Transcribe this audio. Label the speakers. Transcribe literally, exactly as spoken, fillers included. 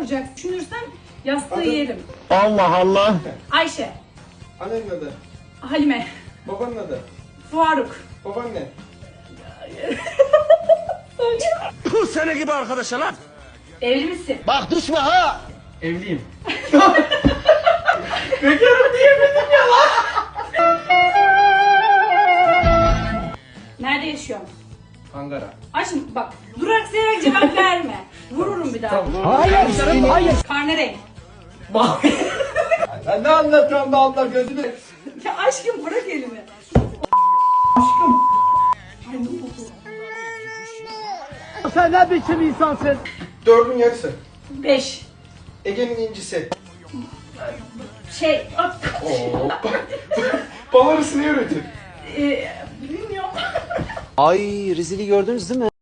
Speaker 1: soracak. Düşünürsen yastığı
Speaker 2: Adı?
Speaker 1: yerim.
Speaker 3: Allah Allah.
Speaker 1: Ayşe.
Speaker 2: Annenin adı.
Speaker 1: Halime.
Speaker 2: Babanın adı.
Speaker 1: Faruk.
Speaker 2: Babaanne.
Speaker 3: Bu sene gibi arkadaşa lan.
Speaker 1: Evli misin?
Speaker 3: Bak düşme ha.
Speaker 2: Evliyim.
Speaker 1: Bekarım diyemedim ya lan. Nerede yaşıyorsun?
Speaker 2: Ankara.
Speaker 1: Aşkım bak durak severek cevap verme. Vururum bir daha.
Speaker 3: Hayır. Hayır.
Speaker 1: Karne renk.
Speaker 2: Ya ne anlatıyorsun be abla gözünü?
Speaker 1: Ya aşkım bırak elimi. Aşkım. Ay ne oldu?
Speaker 3: Sen ne biçim insansın?
Speaker 2: Dördün yarısı.
Speaker 1: Beş.
Speaker 2: Ege'nin incisi.
Speaker 1: Şey.
Speaker 2: Oo. Bal arısı ne üretir?
Speaker 1: Eee bilmiyorum.
Speaker 4: Ay rezili gördünüz değil mi?